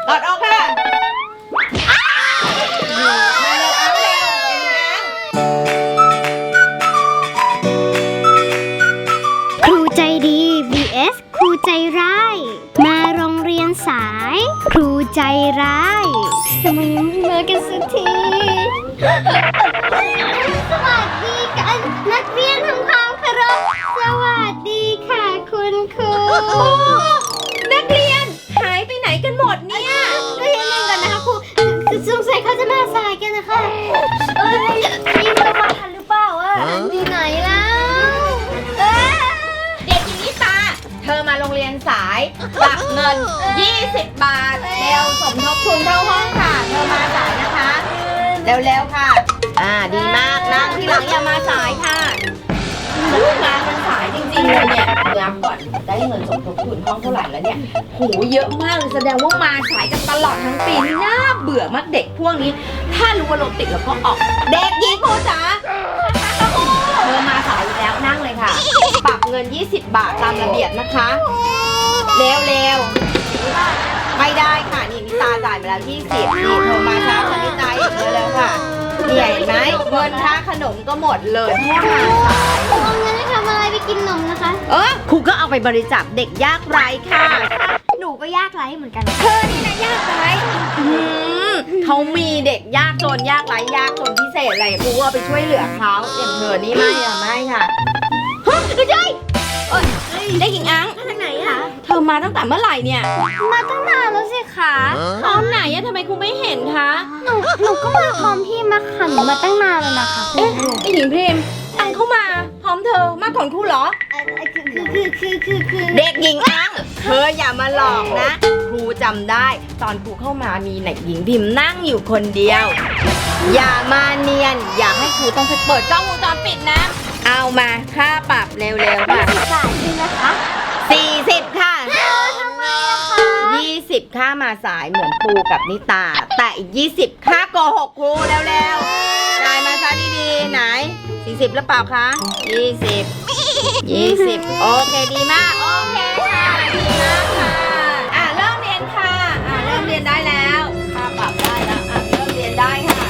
ถอดออกค่ะมาเร็วเอาเร็วครูใจดี vs ครูใจร้ายมาโรงเรียนสายครูใจร้ายทำไมยังไม่มากันสักทีสวัสดีกันนักเรียนทำความเคารพสวัสดีค่ะคุณครูนักเรียนหายไปไหนกันหมดเนี่ยเรียนเองก่อนนะคะครูสงสัยเขาจะมาสายกันนะคะนี่เรามาทันหรือเปล่าอ่ะที่ไหนแล้วเด็กหญิงนิตาเธอมาโรงเรียนสายฝากเงิน20 บาทเร็วสมทบทุนเข้าห้องค่ะเธอมาสายนะคะเร็วๆค่ะดีมากนั่งที่หลังอย่ามาสายค่ะงานมันสายจริงๆเลยเนี่ยนับก่อนได้เงินสมทบทุนห้องเท่าไหร่แล้วเนี่ยโหเยอะมากเลยแสดงว่ามาสายกันตลอดทั้งปีน่าเบื่อมากเด็กพวกนี้ถ้ารู้ว่ารถติดแล้วก็ออกเด็กหญิงครูจ๋าเธอมาสายอีกแล้วนั่งเลยค่ะปรับเงิน20 บาทตามระเบียบนะคะเร็วๆไม่ได้ค่ะนี่นิตาจ่ายไปแล้ว20นี่เธอมาช้ากว่านิตาอีกเร็วๆค่ะนี่เห็นไหมเงินค่าขนมก็หมดเลยเพราะมาสายเอาเงินไปทำอะไรไปกินนมนะคะครูก็เอาไปบริจาคเด็กยากไร้ค่ะหนูก็ยากไร้เหมือนกันเธอนี่นะยากไร้เขามีเด็กยากจนยากไร้ยากจนพิเศษอะไรครูก็ไปช่วยเหลือเขาอย่างเธอนี่ไม่ค่ะไม่ใช่ได้หญิงอังมาจากไหนอะเธอมาตั้งแต่เมื่อไหร่เนี่ยมาตั้งนานแล้วสิคะตอนไหนอะทำไมครูไม่เห็นคะหนูก็มาพร้อมพี่มาค่ะหนูมาตั้งนานแล้วนะคะไอหญิงพิมพ์อังเข้ามาพร้อมเธอมาก่อนครูเหรอคือเด็กหญิงอังเธออย่ามาหลอกนะครูจำได้ตอนครูเข้ามามีเด็กหญิงพิมพ์นั่งอยู่คนเดียวอย่ามาเนียนอย่าให้ครูต้องไปเปิดกล้องวงจรปิดนะเอามาค่าปรับเร็วๆค่ะ 40 บาทจริงนะคะ 40ค่ะทำไมอะคะ 20ค่ามาสายเหมือนปูกับนิตาแต่อีก20ค่าโกหกครูเร็วๆจ่ายมาซะดีๆไหน40หรือเปล่าคะ20โอเคดีมากโอเคค่ะดีมากค่ะเริ่มเรียนค่ะเริ่มเรียนได้แล้วค่าปรับได้แล้วเริ่มเรียนได้ค่ะ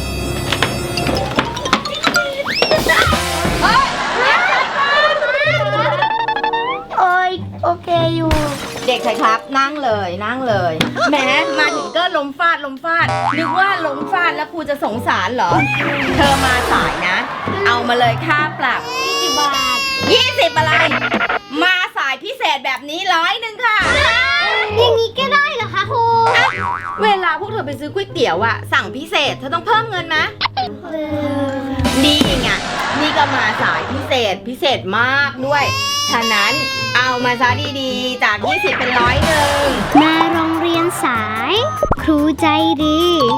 โอเคอยู่เด็กชายครับนั่งเลยแหมมาถึงก็ล้มฟาดนึกว่าล้มฟาดแล้วครูจะสงสารเหรอเธอมาสายนะเอามาเลยค่าปรับ 20 บาท 20อะไรมาสายพิเศษแบบนี้100ค่ะอย่างนี้ก็ได้เหรอคะครูเวลาพวกเธอไปซื้อก๋วยเตี๋ยวอะสั่งพิเศษเธอต้องเพิ่มเงินไหมนี่ไงนี่ก็มาสายพิเศษมากด้วยฉะนั้นเอามาซะดีๆจาก20เป็น100 มาโรงเรียนสายครูใจดี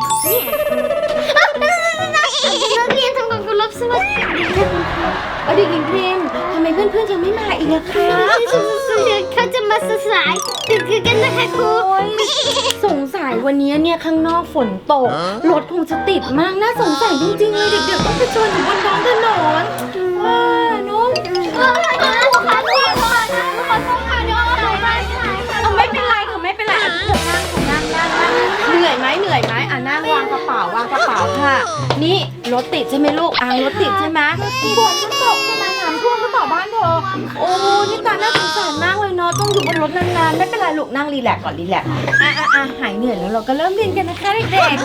นักเรียนทำความเคารพสวัสดีเด็กหญิงพิมพ์ทำไมเพื่อนๆยังไม่มาอีกล่ะคะเขาจะมาสายคือกันนะคะครูสงสัยวันนี้เนี่ยข้างนอกฝนตกรถคงจะติดมากน่าสงสัยจริงๆเลยเด็กๆต้องไปชนอยู่บนท้องถนนว่าน้องไม่เป็นไรค่ะไม่เป็นไรนั่งเหนื่อยไหมนั่งวางกระเป๋าค่ะนี่รถติดใช่ไหมลูกรถติดใช่ไหมฝนก็ตกใช่ไหมน้ำท่วมก็ต่อบ้านเธอโอ้นี่ตาน่าสงสารมากเลยเนาะต้องอยู่บนรถนานๆไม่เป็นไรลูกนั่งรีแลกซ์ก่อนรีแลกซ์หายเหนื่อยแล้วเราก็เริ่มเรียนกันนะคะเด็กๆเด็ก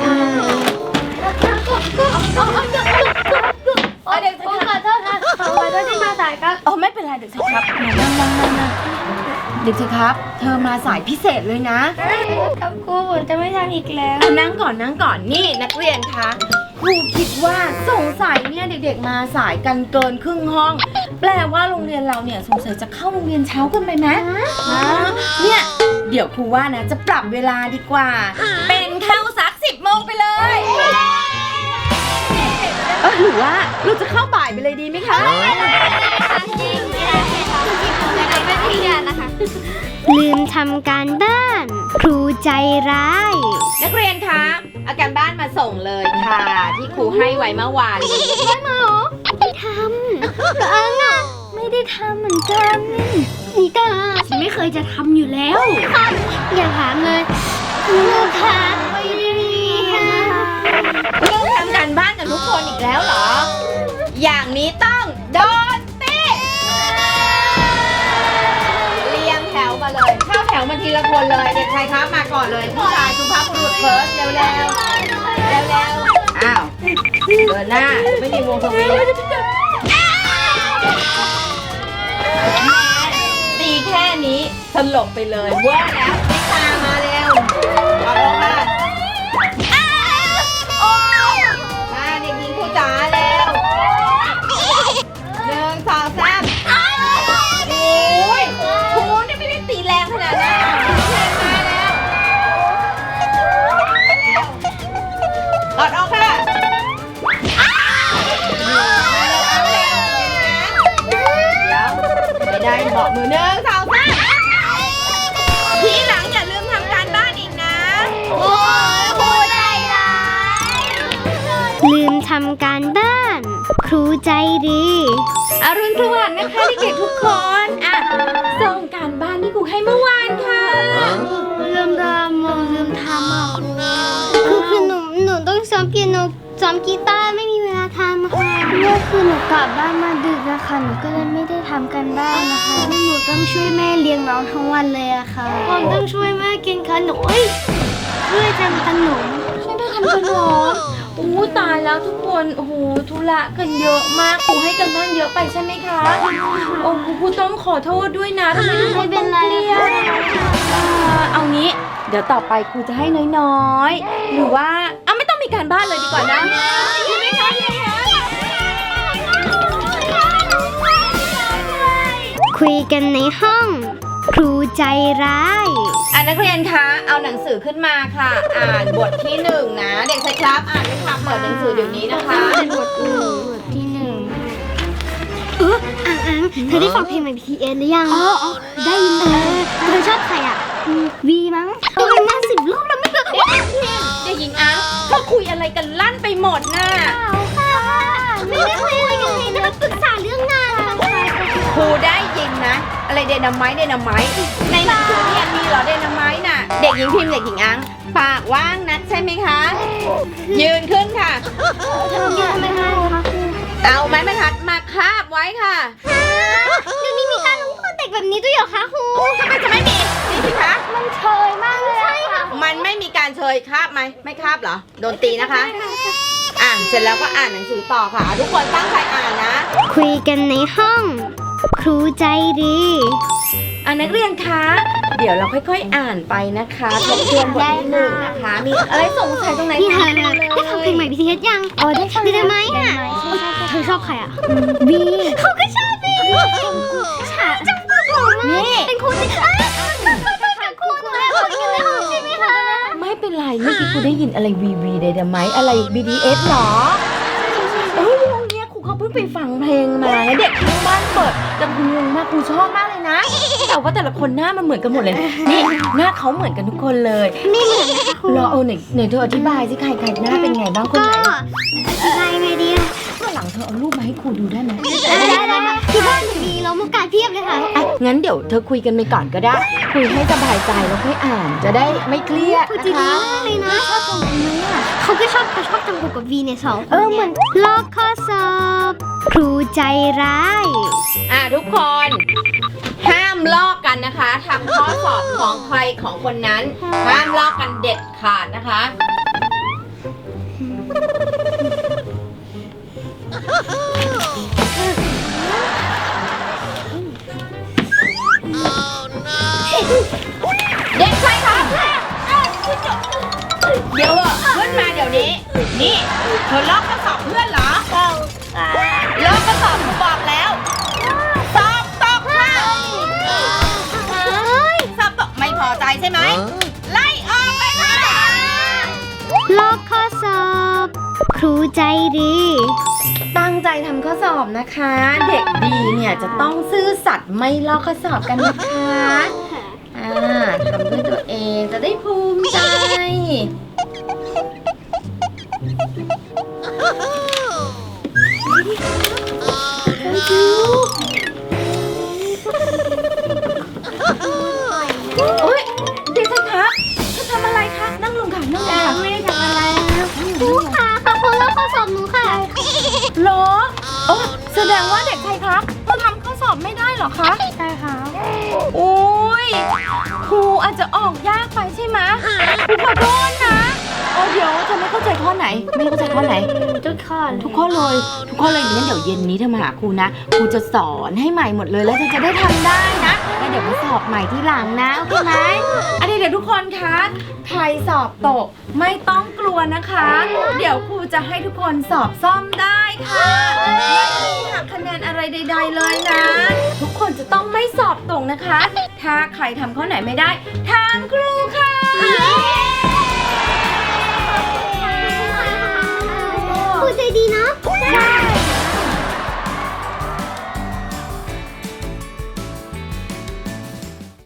ขอโทษค่ะขอโทษที่มาสายครับไม่เป็นไรเด็กชายครับนั่งเด็กชายครับเธอมาสายพิเศษเลยนะครับครูผมจะไม่ทำอีกแล้วนั่งก่อนนี่นักเรียนคะครูคิดว่าสงสัยเนี่ยเด็กๆมาสายกันเกินครึ่งห้องแปลว่าโรงเรียนเราเนี่ยสงสัยจะเข้าโรงเรียนเช้ากันไปไหมเนี่ยเดี๋ยวครูว่านะจะปรับเวลาดีกว่าเป็นเข้าสัก10 โมงไปเลยหรือว่าเราจะเข้าบ่ายไปเลยดีไหมคะลืมทำการบ้านครูใจร้ายนักเรียนคะเอาการบ้านมาส่งเลยค่ะที่ครูให้ไว้เมื่อวานไม่มาหรอไม่ทำอังอ่ะไม่ได้ทำเหมือนกันนี่ตาฉันไม่เคยจะทำอยู่แล้วอย่าถามเลยไม่ทอย่างนี้ต้องโดนตีเรียงแถวมาเลยเข้าแถวมาทีละคนเลยเด็กชายครับมาก่อนเลยผู้ชายสุภาพบุรุษเฟิร์สเร็วอ้าวเดินหน้าไม่มีวงสวิงตีแค่นี้สลบไปเลยเว้ยแล้วนิตามาเร็วเอาลงมามาเด็กหญิงครูจ๋าเร็ว1 2 3โอ้ยครูนี่ไม่ได้ตีแรงขนาดนั้นมาแล้วกอดออกค่ะไม่ได้บอกมือ1 2 3ทีหลังอย่าลืมทำการบ้านอีกนะโอ้ยครูใจร้ายลืมทำการบ้าน ครูใจดีอรุณสวัสดิ์นะคะเด็กๆทุกคนอ่ะส่งการบ้านที่ครูให้เมื่อวานค่ะลืมทำคือหนูต้องซ้อมเปียโนซ้อมกีตาร์ไม่มีเวลาทำค่ะเมื่อคืนหนูกลับบ้านมาดึกนะคะหนูก็เลยไม่ได้ทำกันบ้านนะคะหนูต้องช่วยแม่เลี้ยงน้องทั้งวันเลยอะค่ะผมต้องช่วยแม่กินขนมช่วยทำขนมช่วยแม่ทำขนมอู้ตายแล้วทุกคนโอ้โหธุระกันเยอะมากครูให้กันบ้านเยอะไปใช่ไหมคะโอ้ครูต้องขอโทษด้วยนะทำไมทุกคนต้องเครียดเอางี้เดี๋ยวต่อไปครูจะให้น้อยๆหรือว่าไม่ต้องมีการบ้านเลยดีกว่านะดีไหมคะดีไหมคะคุยกันในห้อง ครูใจร้ายนักเรียนคะเอาหนังสือขึ้นมาค่ะ อ่านบทที่1นะเด็กชายครับอ่านไหมคะเปิดหนังสือเดี๋ยวนี้นะคะบทที่1อังเธอได้ฟังเพลงใหม่ BTS หรือยังได้ยินเธอชอบใครอ่ะวีมั้งดูมันมา10 รอบแล้วไม่เคยเด็กหญิงอังเขาคุยอะไรกันลั่นไปหมดน่ะไม่ได้คุยอะไรกันเลยนะคะปรึกษาเรื่องงานค่ะครูได้ยินนะอะไรเดนาไมต์ในหนังสือเรียนมีเหรอเดนาไมต์น่ะเด็กหญิงพิมพ์เด็กหญิงอังปากว่างนักใช่ไหมคะยืนขึ้นค่ะเอาไม้บรรทัดมาคาบไว้ค่ะเดี๋ยวนี้มีการลงโทษเด็กแบบนี้ด้วยเหรอคะครูทำไมจะไม่มีนี่สิคะมันเชยมากเลยใช่ค่ะมันไม่มีการเชยคาบไหมไม่คาบเหรอโดนตีนะคะเสร็จแล้วก็อ่านหนังสือต่อค่ะทุกคนตั้งใจอ่านนะคุยกันในห้อง ครูใจดีนักเรียนคะเดี๋ยวเราค่อยๆอ่านไปนะคะทบทวนบทที่1นะคะมีอะไรสงสัยตรงไหนได้ฟังเพลงใหม่ BTS ยังได้ฟังได้ไหมเธอชอบใครอ่ะบีเขาก็ชอบบีจังหวะของนี่เป็นครูที่ครูหนูแอบบอกกันเลยใช่ไหมคะไม่เป็นไรเมื่อกี้ครูได้ยินอะไรวีได้ไหมอะไร BTS หรอวงเนี้ยครูเขาเพิ่งไปฟังเพลงมาเด็กทั้งบ้านเปิดจำเพลงมากครูชอบมากเลยนะแต่ว่าแต่ละคนหน้ามันเหมือนกันหมดเลยนี่หน้าเขาเหมือนกันทุกคนเลยไม่เหมือนนะคะครูรอไหนเธออธิบายสิใครหน้าเป็นไงบ้างคนไหนอธิบายไงดีหลังเธอเอารูปมาให้ครูดูได้ไหมได้ค่ะที่บ้านมีเรามุกการเพียบเลยค่ะงั้นเดี๋ยวเธอคุยกันไปก่อนก็ได้คุยให้สบายใจแล้วค่อยอ่านจะได้ไม่เครียดนะคะเลยนะชอบตรงนี้เขาก็ชอบจังหวะกับวีเนี่ย2คนเหมือนลอกข้อสอบครูใจร้ายทุกคนห้ามลอกกันนะคะทำข้อสอบของใครของคนนั้นห้ามลอกกันเด็ดขาดนะคะเด็กชายครับเดี๋ยวขึ้นมาเดี๋ยวนี้นี่เธอลอกข้อสอบเพื่อนเหรอลอกข้อสอบครูบอกแล้วสอบตกค่ะสอบตกไม่พอใจใช่ไหมไล่ออกไปค่ะลอกข้อสอบครูใจดีตั้งใจทำข้อสอบนะคะเด็กดีเนี่ยจะต้องซื่อสัตย์ไม่ลอกข้อสอบกันนะคะทำด้วยตัวเองจะได้ภูมิใจโอ๊ยเด็กครับเธอทำอะไรคะนั่งลงค่ะนั่งลงค่ะไม่ได้ทำอะไรครูค่ะขอบคุณแล้วข้อสอบหนูค่ะหรอโอ้งว่าเด็กชายครับเราทำข้อสอบไม่ได้เหรอคะใช่ค่ะโอ้ยครูอาจจะออกยากไปใช่ไหมครูขอโทษนะเดี๋ยวเธอไม่เข้าใจข้อไหนไม่เข้าใจข้อไหนทุกข้อทุกข้อเลยงั้นเดี๋ยวเย็นนี้เธอมาหาครูนะครูจะสอนให้ใหม่หมดเลยแล้วเธอจะได้ทำได้นะแล้วเดี๋ยวมาสอบใหม่ที่หลังนะโอเคไหมเดี๋ยวทุกคนคะใครสอบตกไม่ต้องกลัวนะคะ เดี๋ยวครูจะให้ทุกคนสอบซ่อมได้ค่ะไม่มีหักคะแนนอะไรใดๆเลยนะ ทุกคนจะต้องไม่สอบตกนะคะ ถ้าใครทำข้อไหนไม่ได้ทางครูค่ะครูใจดีเนาะ